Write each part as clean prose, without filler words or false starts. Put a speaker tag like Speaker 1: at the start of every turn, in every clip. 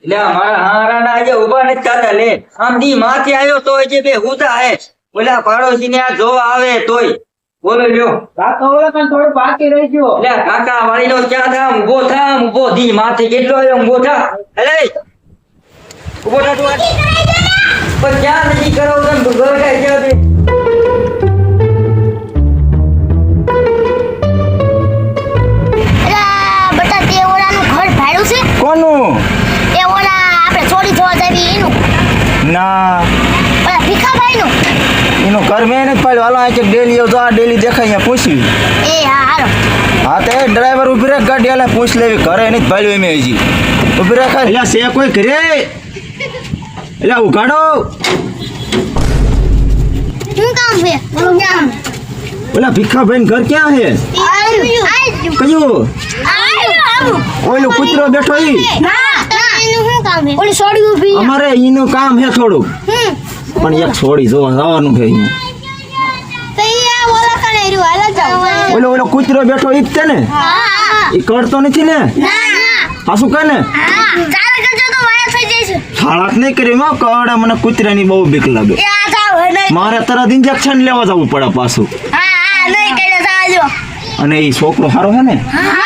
Speaker 1: લે મારા હારા ના આજે ઉભા નથી થતા લે આમ દી માથે આવ્યો તો જે બે હુતા હે ઓલા પાડોશી ને આ જોવા આવે તોય બોલો લ્યો
Speaker 2: કાકા ઓલા પણ થોડું બાકી રહી ગયો.
Speaker 1: લે કાકા વાળી નો ક્યાં થા ઊભો દી માથે કેટલો આવ્યો ઊભો થા અલે ઊભો થા તું પણ ક્યાં નથી કરો તને ઘર કાય ક્યાં દે
Speaker 3: કોનું?
Speaker 4: એ ઓલા આપણે ચોરી જોવા જાવી એનું
Speaker 3: ના
Speaker 4: ઓલા ભીખાભાઈનું.
Speaker 3: એનું ઘર મેં નથી પાડ્યું. હાલો આ ડેલી આવતો આ ડેલી દેખાય અહીંયા પૂછવી.
Speaker 4: એ હા હાલો.
Speaker 3: હા તે ડ્રાઈવર ઉભી રાખ ગાડી હાલે પૂછ લેવી ઘરે નથી પાડ્યું એમ હજી ઉભી રાખ. એટલે છે કોઈ ઘરે એટલે ઉઘાડો.
Speaker 4: શું કામ છે બોલો ક્યાં
Speaker 3: ઓલા ભીખાભાઈ ઘર ક્યાં છે? કયું? ઓલો કૂતરો બેઠો ઈ?
Speaker 4: ના એનું શું કામ છે? ઓલી સોડી ઊભી છે.
Speaker 3: અમારે એનું કામ છે થોડું પણ એક છોડી જોવા જવાનું છે અહીંયા.
Speaker 4: તો ઈ આ ઓલા કણે રહ્યું હાલો જાવ.
Speaker 3: ઓલો કૂતરો બેઠો ઈ જ છે ને?
Speaker 4: હા
Speaker 3: ઈ કરતો નથી ને?
Speaker 4: ના
Speaker 3: પાછું કહે ને
Speaker 4: હા ચાલ કરજો તો વાયા થઈ જશે.
Speaker 3: હાલાત નહીં કરી માં કવડે મને કૂતરાની બહુ બીક લાગે.
Speaker 4: એ આ જાવ નહીં.
Speaker 3: મારે તરત ઇન્જેક્શન લેવા જવું પડે પાછું.
Speaker 4: હા હા નહીં કઈ જાજો.
Speaker 3: અને ઈ છોકરો સારો છે ને?
Speaker 4: હા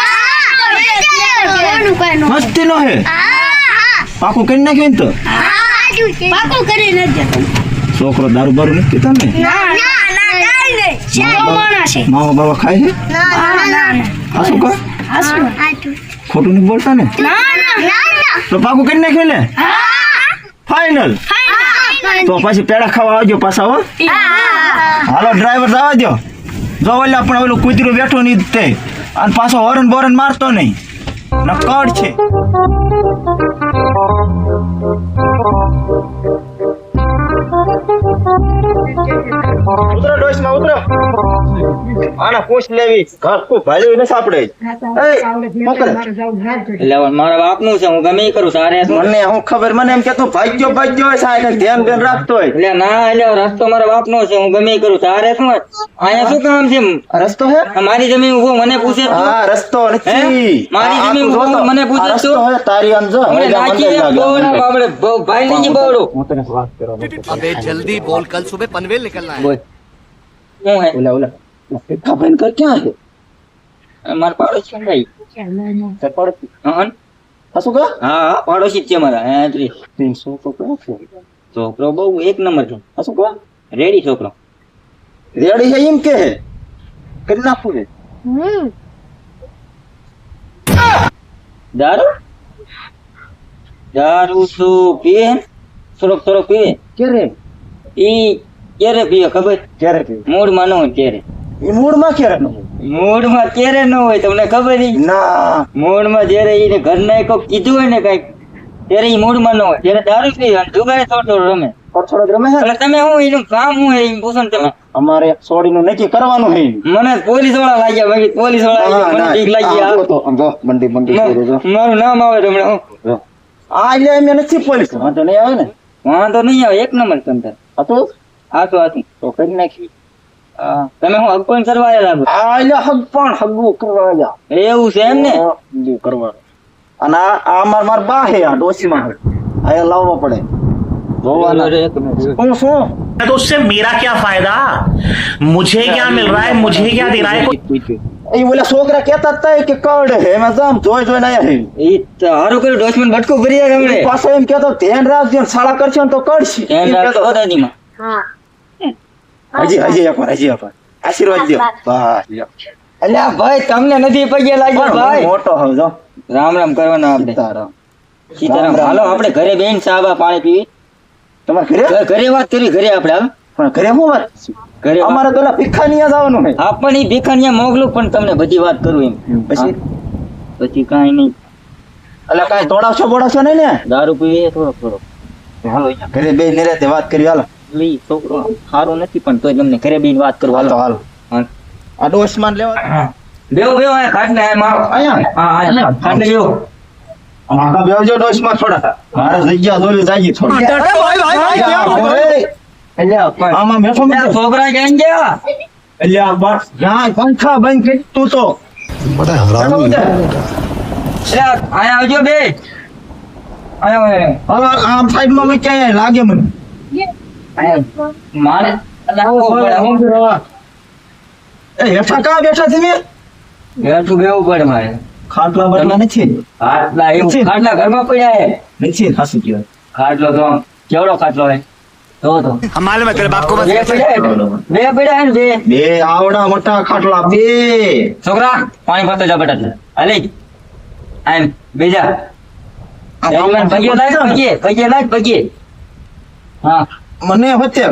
Speaker 3: મસ્તી નો હે
Speaker 4: હા
Speaker 3: પાકું કરી નાખ્યું ને તો
Speaker 4: પાકું કરી નાખજો.
Speaker 3: છોકરો દારૂ બારૂ નથી પીતો ને?
Speaker 4: ના ના ના કાઈ નહીં. શેરો માણસ છે.
Speaker 3: માવો બાવા ખાય છે?
Speaker 4: ના ના ના
Speaker 3: હાસું કા
Speaker 4: હાસુ
Speaker 3: ખોટું નથી બોલતા ને?
Speaker 4: ના ના ના
Speaker 3: તો પાકું કરી નાખ્યું ને? ફાઈનલ. તો પછી પેડા ખાવા આવજો પાછા હો. હાલો ડ્રાઈવર જવા દો. જો ઓલા પણ ઓલું કૂતરું બેઠું નહીં તે અને પાછો હોરન બોરન મારતો નહીં નકડ છે. ઉતરો ડોશમાં ઉતરો. આના પૂછ લેવી ઘર કો ભાલ્યું ને સાપડે. એ મોકલ.
Speaker 1: એટલે મારા બાપનું છે હું ગમે ઈ કરું તારે શું?
Speaker 3: મને હું ખબર મને એમ કે તું ભાગ્યો હોય સાહેબ ધ્યાન રાખતો હોય.
Speaker 1: એટલે ના એટલે રસ્તો મારા બાપનો છે હું ગમે ઈ કરું તારે શું? અહીંયા શું કામ છે?
Speaker 3: રસ્તો હે?
Speaker 1: મારી જમીન ઉભો મને પૂછે તું?
Speaker 3: હા રસ્તો નથી.
Speaker 1: મારી
Speaker 3: આ
Speaker 1: જમીન
Speaker 3: તું
Speaker 1: ઉભો
Speaker 3: જોતો.
Speaker 1: મને પૂછે
Speaker 3: આ રસ્તો
Speaker 1: તું?
Speaker 3: હે તારી આમ જો.
Speaker 1: હમણાં
Speaker 3: મજા
Speaker 1: નાખી
Speaker 3: મંદિર
Speaker 1: દે
Speaker 3: લાગે.
Speaker 1: બોવડા બાબડે ભાઈ લીજી બોવડો.
Speaker 3: હું તને વાત કરવા
Speaker 5: अबे जल्दी बोल कल सुबह पनवेल निकलना है।
Speaker 1: બોલ શું હે?
Speaker 3: ઓલા ભીખાભાઈ ઘર ક્યાં છે?
Speaker 1: મારા પાડોશી છે ભાઈ.
Speaker 3: તે પડતી.
Speaker 1: હં?
Speaker 3: હાસું કા?
Speaker 1: હા પાડોશી જ છે મારા. હા ત્રી
Speaker 3: છોકરો ક્યાં છે?
Speaker 1: છોકરો બહુ એક નંબર છે.
Speaker 3: હાસું કા?
Speaker 1: રેડી છોકરો.
Speaker 3: રેડી છે એમ કે કરી નાખું ને.
Speaker 1: દારૂ દારૂ શું પીએ? થોડોક પીવે.
Speaker 3: ક્યારે
Speaker 1: ઈ ક્યારે પીવે ખબર?
Speaker 3: ક્યારે પીવું?
Speaker 1: મૂડમાં ન હોય ત્યારે.
Speaker 3: એ મૂળમાં ક્યારે ન હોય?
Speaker 1: મૂડમાં ક્યારે ન હોય તમને ખબર ઈ?
Speaker 3: ના
Speaker 1: મૂડમાં જ્યારે ઈને ઘરના કોક કીધું હોય ને કઈક ત્યારે ઈ મૂડમાં ન હોય ત્યારે દારૂ પીવે અને જુગારે થોડો રમે.
Speaker 3: થોડોક રમે છે ને?
Speaker 1: એટલે તમે હું એનું કામ હું એ પૂછો ને તમે.
Speaker 3: અમારે એક સોડીનું નક્કી કરવાનું છે.
Speaker 1: મને પોલીસ વાળા લાગ્યા ભાઈ પોલીસ વાળા
Speaker 3: ના,
Speaker 1: મને
Speaker 3: ના.
Speaker 1: ઠીક લાગી
Speaker 3: આમ જો તો, આમ જો, મંડી મંડી કરે જો.
Speaker 1: મારું નામ આવે તમને હું
Speaker 3: જો. આ એટલે એમ નથી પોલીસ વાંધો નહીં આવે ને.
Speaker 1: વાંધો નહીં આવે એક નંબર તમતાર.
Speaker 3: હતું
Speaker 1: હાથું
Speaker 3: તો કરી નાખી.
Speaker 1: તમે હું અગપણ કરવા આવેલા લાગો
Speaker 3: આ એટલે હગ પણ હગવું કરવા જા.
Speaker 1: એવું છે એમ ને?
Speaker 3: હગવું કરવાનું. અને આ માર બા હે આ ડોશીમાં હે. આ લાવવો પડે. જોવાના. હું શું
Speaker 6: तो उससे मेरा क्या फायदा, मुझे क्या मिल रहा है, मुझे क्या दे रहा है।
Speaker 3: એ ઓલા છોકરા કહેતા હતા કે કડ હે એમાં જામ જોઈ જોઈને આયા હે.
Speaker 1: ઈ તો હારું કર્યું ડોશમન ભટકો કરી રહ્યા તમને.
Speaker 3: પાછો એમ કહેતો ધ્યાન રાખજો ને શાળા કરશો ને તો કડશે.
Speaker 1: ધ્યાન
Speaker 3: એમ
Speaker 1: રાખજો
Speaker 3: કહેતો.
Speaker 1: દાદીમાં.
Speaker 3: હજી એકવાર આશીર્વાદ દો. બસ લ્યો.
Speaker 1: અલ્યા ભાઈ તમને નથી પગે લાગ્યો
Speaker 3: પણ
Speaker 1: ભાઈ.
Speaker 3: હું મોટો હોઉં જો.
Speaker 1: રામ રામ કરવાના આપણે.
Speaker 3: સીતારામ.
Speaker 1: સીતારામ. હાલો આપણે ઘરે બેન સાબા પાણી પીવી.
Speaker 3: તમારે ઘરે
Speaker 1: ઘરે વાત કરવી ઘરે આપણે હાલો.
Speaker 3: પણ ઘરે શું વાત?
Speaker 1: ઘરે વાત-
Speaker 3: અમારે તો ઓલા ભીખાનીયા જવાનું છે.
Speaker 1: હા પણ ઈ ભીખાનિયા મોકલું પણ તમને બધી વાત કરું એમ.
Speaker 3: પછી
Speaker 1: પછી કાંઈ નહીં.
Speaker 3: એટલે કાંઈ તોડાવશો બોડાવશો નહીં ને?
Speaker 1: દારૂ પીવે થોડોક.
Speaker 3: હાલો ઘરે બે નિરાતે વાત કરી હાલો.
Speaker 1: ઈ છોકરો સારો નથી પણ તોય તમને ઘરે બેન વાત કરું
Speaker 3: હાલો
Speaker 1: હાલો.
Speaker 3: હાલો. આ ડોશમાન લેવા
Speaker 1: બેહો આ ખાટલે આ મારો.
Speaker 3: અહીંયા
Speaker 1: હા હા ખાટલે બેહો.
Speaker 3: આખા બેવજો ડોશમાં થોડા. મારે જગ્યા જોવી જાગી થોડી. આમાં બેઠો
Speaker 1: આ છોકરા ક્યાં ગયા?
Speaker 3: અલ્યા બસ જ્યાં પંખા બંધ કરી તું તો
Speaker 5: बड़ा हरामी है।
Speaker 1: અલ્યા, આયા આવજો બે. આયો
Speaker 3: હવે આમ સાઈડમાં મેં ક્યાંય લાગે મને
Speaker 1: મારે લાવવો પડે હું
Speaker 3: એ હેઠા કાં બેઠા છે મેં
Speaker 1: હેઠું બેવું પડે મારે
Speaker 3: ખાટલા બટલા નથી
Speaker 1: ખાટલા એવું ખાટલા ઘરમાં પડ્યા હે
Speaker 3: નથી હાસુ કહેવાય
Speaker 1: ખાટલો તો આમ કેવડો ખાટલો હે તો
Speaker 5: हम मालूम है तेरे बाप को
Speaker 1: બે પડ્યા હે બે પડ્યા હે ને બે
Speaker 3: બે આવડા મોટા ખાટલા બે
Speaker 1: છોકરા પાણી ભરતો જા બેટા હાલે આમ બેજા જયવંત પગે લાગ પગે હા
Speaker 3: મને વચ્ચે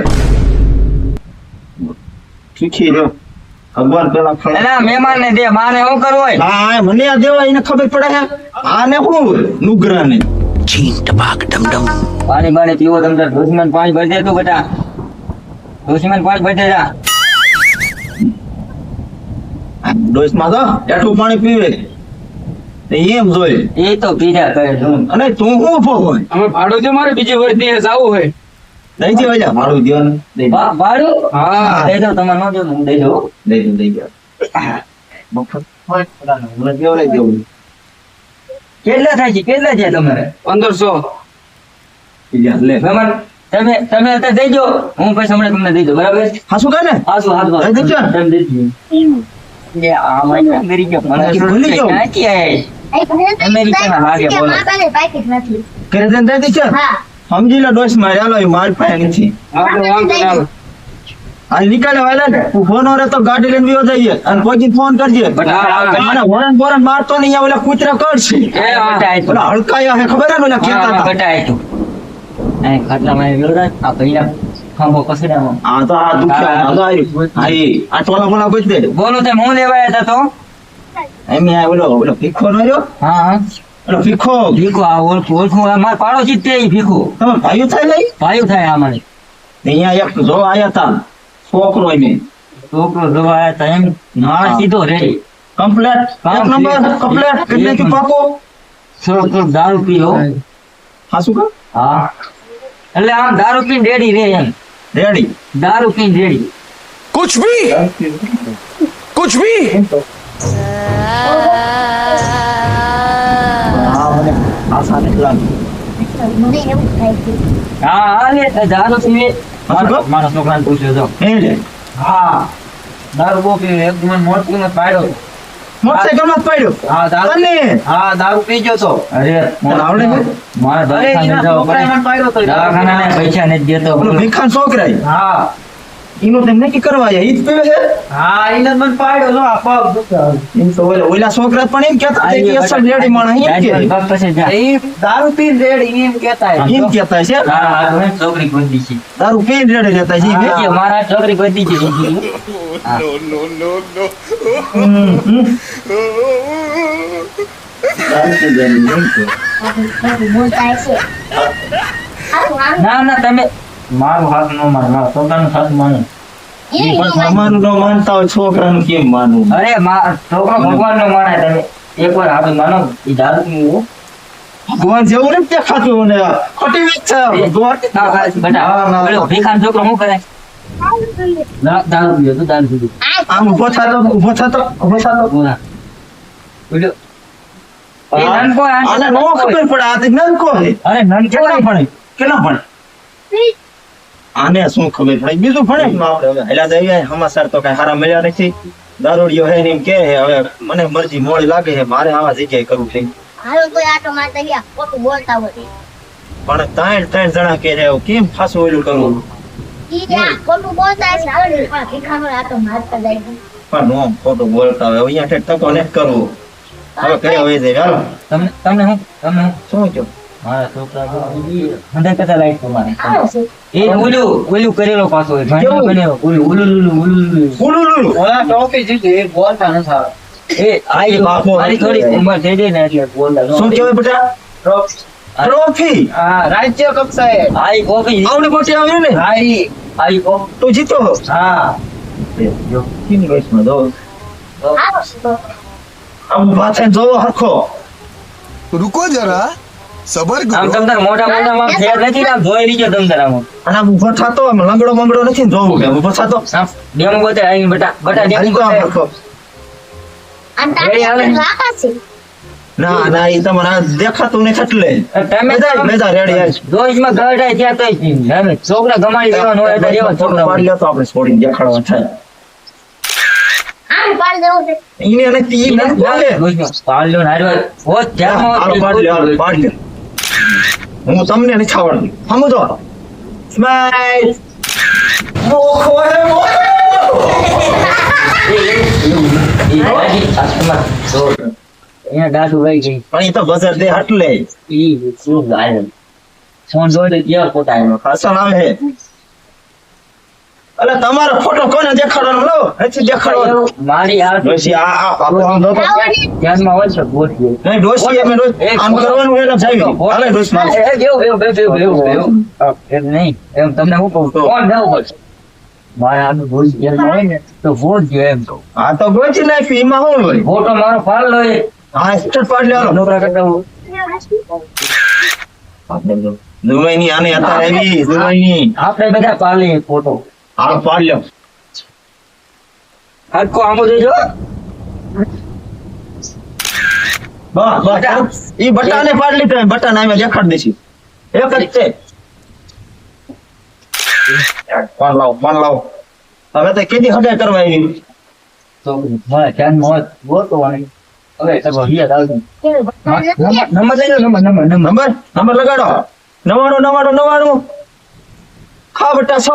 Speaker 3: શીખી રહ્યો ભગવાન પેલા ફળ
Speaker 1: એલા મહેમાન ને દે મારે શું કરવું હોય
Speaker 3: હા મને આ દેવા એને ખબર પડે છે આને શું નુગરા ને
Speaker 5: छीन टपाक डम डम
Speaker 1: પાણી બાણી પીવો તમે દોશીમાં પાણી ભરી દે તું બેટા દોશીમાં પાણી ભરી દે જા
Speaker 3: ડોસમાં તો હેઠું પાણી પીવે તે એમ જોઈ
Speaker 1: એ તો પીજા કરે છું
Speaker 3: અને તું શું ઉભો હોય
Speaker 2: અમે ભાડું છે મારે બીજી વર્ષે જાવું હોય
Speaker 3: દઈ દે વાજા મારું ધ્યાન દઈ દે
Speaker 1: ભાડું
Speaker 2: હા
Speaker 1: દઈ દો તમારે ન દો હું દઈ દઉં
Speaker 3: દઈ દે મફત હોય મને કેવડે દેવું
Speaker 1: કેટલા થાય છે તમારે
Speaker 2: 1500
Speaker 3: લે
Speaker 1: મહેમાન તમે અત્યારે દઈ દો હું પછી હમણાં તમને દઈ દઉં બરાબર
Speaker 3: હાસુ કાય ને
Speaker 1: હાસુ હાથ
Speaker 3: દઈ દેજો.
Speaker 1: તમે દઈ દો એ આ મને મેરી કે મને
Speaker 3: ભૂલી જાઉં.
Speaker 1: ક્યાંથી આયા? અમેરિકાના હાગે બોલો.
Speaker 4: પાકીટ નથી
Speaker 3: કરે દે દઈ દે
Speaker 4: હા
Speaker 3: સમજી લે ડોસ માં ચાલો માર પાસે નથી
Speaker 2: આપણે વાંધો ના આવે.
Speaker 3: આ નીકળે વાલા ને તું ફોન ઓરે તો ગાડી લઈને વિયો જઈએ અને કોઈ ફોન કરજે મને વરણ મારતો નહીં આ ઓલા કૂતરા કરશે ઓલા હડકાયા હે ખબર હે ને ઓલા કેતા હતા
Speaker 1: કટાય તું આ ખાટલામાં આવ્યો રાત આ ભઈલા ખાંભો કસડામાં
Speaker 3: આ તો આ દુખ્યા આ તો આયુ આ ટોલા બોલા કોઈ દે
Speaker 1: બોલો તે હું લેવા આવ્યા હતા તો
Speaker 3: એમ આ ઓલો ભીખો નો રહ્યો
Speaker 1: હા
Speaker 3: ઓલો ભીખો
Speaker 1: ભીખો આ ઓળખું મારા પાડોશી જ તે ઈ ભીખો
Speaker 3: તમે ભાઈઓ થાય લઈ
Speaker 1: ભાઈ થાય આ મારે
Speaker 3: અહીંયા એક જો આયા તા છોકરો એને
Speaker 1: છોકરો જોવા આવ્યા હતા એમ મારા સીધો રેડી
Speaker 3: કમ્પ્લેટ એક નંબર કમ્પ્લેટ કેટલે કી પાકો
Speaker 1: છોકરો દારૂ પીઓ
Speaker 3: હાસુ કા
Speaker 1: હા એટલે આમ દારૂ પીને રેડી રે એમ
Speaker 3: રેડી
Speaker 1: દારૂ પીને રેડી
Speaker 5: कुछ भी कुछ भी
Speaker 3: હા મને આશા નથી લાગી
Speaker 4: મને એવું થાય છે
Speaker 1: હા હા લે દારૂ પીવે
Speaker 3: હાસુ
Speaker 1: મારા છોકરાને પૂછ્યો તો
Speaker 3: હે લે
Speaker 1: હા દારૂ બહુ પીવે એક મને મોટું ને પાડ્યો
Speaker 3: મોટરસાઇકલ માં પડ્યો
Speaker 1: હા દારૂ
Speaker 3: અને
Speaker 1: હા દારૂ પી ગયો તો અરે
Speaker 3: તને આવડે છે?
Speaker 1: મારા દવાખાને જવા પડે દવાખાના પૈસા નથી દેતો
Speaker 3: ઓલો ભીખાન છોકરા
Speaker 1: હા
Speaker 3: ઈનો તેમ નક્કી કરવા ઈ જ પીવે છે
Speaker 1: હા એને મને પાડ્યો જો આ પગ દુખે
Speaker 3: એમ તો ઓલા છોકરા પણ એમ કહેતા હતા કે અસલ રેડી માણસ એમ કે
Speaker 1: પગ પછી જા એ દારૂ પીને રેડી એમ કહેતા
Speaker 3: એમ કહેતા છે
Speaker 1: હા હા મને છોકરી ગોતી છે
Speaker 3: દારૂ પીને રેડી રહેતા છે એમ
Speaker 1: કે મારા છોકરી ગોતી છે
Speaker 3: દારૂ પીને એમ કે.
Speaker 4: બોલતા છે
Speaker 1: ના ના તમે મારું હાથ નો માન મારા છોકરાનું હાથ માનો
Speaker 3: ઈ પણ તમારું ન માનતા હોય છોકરાનું કેમ માનવું
Speaker 1: અરે છોકરો ભગવાન નો માને તમે એકવાર હાથ માનો એ દારૂ પીવું
Speaker 3: ભગવાન જેવું નથી દેખાતું મને ખોટી વાત છે ભગવાન
Speaker 1: બેટા ભીખાન છોકરો શું કરે દારૂ પીવે તું દારૂ પીવું
Speaker 3: આમ ઉભો થતો
Speaker 1: બોલા બોલ્યો એ નાનકો
Speaker 3: આને નો ખબર પડે આ તો નાનકો છે
Speaker 1: અરે નાનકો
Speaker 3: કેટલા ભણે આને શું ખબર પડે બીજું ભણે ને આપણે હવે હેલા જઈએ સમાચાર તો કઈ સારા મળ્યા નથી દારૂડિયો હે ને એમ કે હવે મને મરજી મોડી લાગે છે મારે આવા જગ્યાએ કરવું છે
Speaker 4: હાલો કોઈ આટો મારતા ગયા ખોટું બોલતા હોય
Speaker 3: પણ ત્રણ જણા કે છે કેમ ફાસું ઓલું કરવું
Speaker 4: ઈ જ્યાં ખોટું બોલતા હશે હાલો ને પણ ભીખાનો આટો મારતા જાય
Speaker 3: પણ નો ખોટું બોલતા હોય અહીંયા ઠેઠ તકો ને કરવું હવે કરે હોય છે ચાલો
Speaker 1: તમને હું
Speaker 3: શું કહો
Speaker 1: મારા છોકરા હંડ્રેડ કરતા લાઈટ તમારે
Speaker 4: આવો છે
Speaker 1: એ ઓલું કરેલો પાછો હોય
Speaker 3: કેવું?
Speaker 1: બનેલો
Speaker 3: ઉલુલુલુ
Speaker 1: ઓલા ટોપી જીતી એ બોલતા ન થાય એ આઈ
Speaker 3: બાપો.
Speaker 1: મારી થોડી ઉંમર થઈ ગઈ ને એટલે બોલતા
Speaker 3: શું કહેવાય બેટા ટ્રોફી
Speaker 2: હા રાજ્ય કક્ષાએ
Speaker 1: આઈ કોફી
Speaker 3: આવડી મોટી આવી ને
Speaker 1: આઈ કોફી
Speaker 3: તું જીતો
Speaker 1: હા
Speaker 3: જો કિન વયસમાં દો
Speaker 4: આવો છે તો
Speaker 3: આમ પાછળ જોવો હરખો
Speaker 5: रुको जरा सबर
Speaker 1: આમ
Speaker 5: करो
Speaker 1: તમતાર મોટા માં ફેર નથી ને આમ જોઈ લીજો તમતાર આમ
Speaker 3: અને આમ ઊભો થતો આમ લંગડો મંગડો નથી ને જોવું કે ઊભો થતો
Speaker 1: ડેમો બોતે આઈ બેટા
Speaker 3: હારી
Speaker 1: ડેમો
Speaker 3: તો આમ
Speaker 1: બોતે
Speaker 3: હરખો
Speaker 4: અને
Speaker 1: રેડી હાલે.
Speaker 4: તારે રાખા છે
Speaker 3: ના ના એ તમારે આ દેખાતું નથી એટલે
Speaker 1: તમે
Speaker 3: બેજા રેડી આવીશ
Speaker 1: રોજમાં ગરડાય ત્યાં તો હવે છોકરા ગમાડી દેવાનું હોય એટલે એવા છોકરા
Speaker 3: પાડી લ્યો તો આપણે છોડીને દેખાડવા થાય
Speaker 4: આમ પાડ દેવું છે
Speaker 3: ઈને નથી ઈ નથી બોલે
Speaker 1: પાડ્યો ને હાર્યો હોત ધ્યાનમાં
Speaker 3: હાલો
Speaker 1: હોત.
Speaker 3: પાડી લ્યો હાલો, પાડી લ્યો હું તમને નથી આવડતું સમજો સ્માઈલ મોખો હે મોખો
Speaker 1: એ બાજી આસમાં તો અહીંયા દાદુ વહી ગઈ
Speaker 3: પણ ઈ તો બજાર દે હટલે
Speaker 1: ઈ શું ગાય સોન જોડે ગયા પોતા આવ્યો
Speaker 3: હસન આવે હે અલે તમારો ફોટો કોને દેખાડવાનો લો નથી દેખાડવાનો
Speaker 1: મારી આ
Speaker 3: ડોશી આ બાપુ આમ દો તો
Speaker 1: ધ્યાનમાં હોય છે ગોઠવી
Speaker 3: નહીં ડોશી અમે રોજ આમ કરવાનું એટલે જાવી હાલે ડોશી મારે
Speaker 1: એમ નહીં એમ તમને હું કહું કોણ જવું પડશે મારે આનું ભૂલ હોય ને તો ભૂલ ગયો એમ કહું
Speaker 3: આ તો ગોચી નાખી એમાં શું હોય
Speaker 1: ફોટો મારો પાડ લો એ
Speaker 3: હા સ્ટેટ પાડ લ્યો હાલો.
Speaker 1: નોકરા કરતા હું
Speaker 3: દુબઈની આને અત્યારે આવી દુબઈની
Speaker 1: આપણે બધા પાડીએ ફોટો
Speaker 3: હાલો પાડ લ્યો
Speaker 1: હરકો આમો જોજો
Speaker 3: બસ ઈ બટાને પાડ લીધો બટાને અમે દેખાડ દેસી એક જ છે પાડ લાવ હવે તો કેદી હગાઈ કરવા આવી
Speaker 1: તો મારા ધ્યાનમાં હોય ગોતો વાળી હવે તમે હિયા આવજો નંબર લઈ લો નંબર
Speaker 3: નંબર લગાડો 99 ખા બટા 99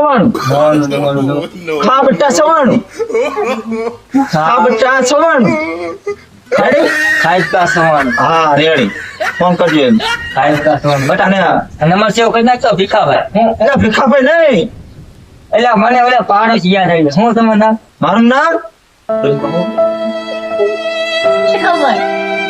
Speaker 3: ખા બટા 99 ખા બટા 99 રેડી
Speaker 1: ખાઈ કા સવાન
Speaker 3: હા રેડી ફોન કરજો એમ
Speaker 1: ખાઈ કા સવાન બટા
Speaker 3: અને
Speaker 1: નંબર સેવ કરી નાખતો ભીખાભાઈ
Speaker 3: એટલે ભીખાભાઈ નહીં
Speaker 1: એટલે મને ઓલા પાડોશ યાદ આવી શું તમારું નામ
Speaker 3: મારું નામ
Speaker 4: શું ખબર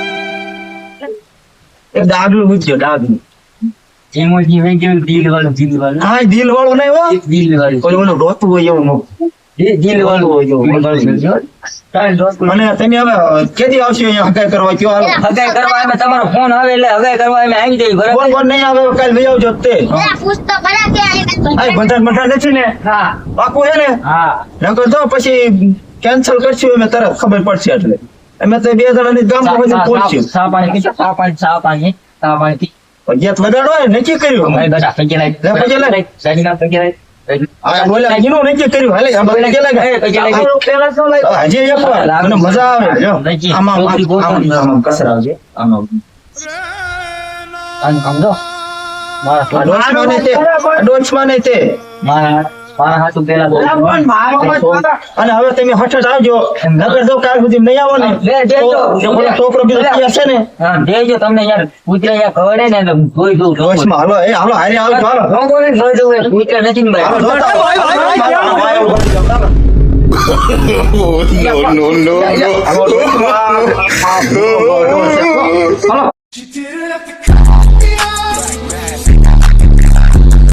Speaker 3: એક ડાગલું પૂછ્યો ડાગલું
Speaker 1: જેમોજી વેઈ ગયું દિલ વાળું
Speaker 3: હા દિલ વાળો નહીં હો
Speaker 1: દિલ વાળું
Speaker 3: ઓલું રોતું હોય એવું નો.
Speaker 1: દિલ વાળું
Speaker 3: અને તમે હવે કેદી આવશો અહીંયા હગાઈ કરવા કયો હાલો
Speaker 1: હગાઈ કરવા એમાં તમારો ફોન આવે એટલે હગાઈ કરવા એમાં આવી જાય
Speaker 3: ફોન
Speaker 1: બરાબર
Speaker 3: ફોન નહીં આવે કાલ લઈ આવજો તે
Speaker 4: પેલા પૂછતો ખરા કે
Speaker 3: આ બંધન નથી ને
Speaker 1: હા
Speaker 3: પાકું હે ને
Speaker 1: હા
Speaker 3: નકર તો પછી કેન્સલ કરશું અમે તરત ખબર પડશે એટલે અમે તો બે જણાની ગામ પછી પહોંચ્યું
Speaker 1: સા પાણી
Speaker 3: ગેત વગાડો હોય નક્કી કર્યું
Speaker 1: ભાઈ બધા પૈકી લાઈ
Speaker 3: પૈકી લાઈ.
Speaker 1: સાઈડના પૈકી લાઈ
Speaker 3: આ બોલે એનું નક્કી કર્યું હાલે આ બોલે કે લાગે
Speaker 1: પૈકી લાઈ
Speaker 3: હજી એક વાર મને મજા આવે જો આમાં આમાં કસર આવજે આમાં
Speaker 1: આમ જો
Speaker 3: ડોચમાં નહીં તે
Speaker 1: મારા હાથું પેલા
Speaker 3: અને હવે તમે હઠ આવજો નગર જો કાલ સુધી નહીં આવો ને તો પેલો છોકરો બીજો ત્યાં છે ને
Speaker 1: હા દેજો તમને યાર કૂતરા યાર ખવડે ને એટલે જોઈ દઉં
Speaker 3: ડોચમાં હાલો એ હાલો હારે આવજો હાલો
Speaker 1: જોઈ દઉં એ કૂતરા નથી ને ભાઈ
Speaker 5: no.
Speaker 3: હાલો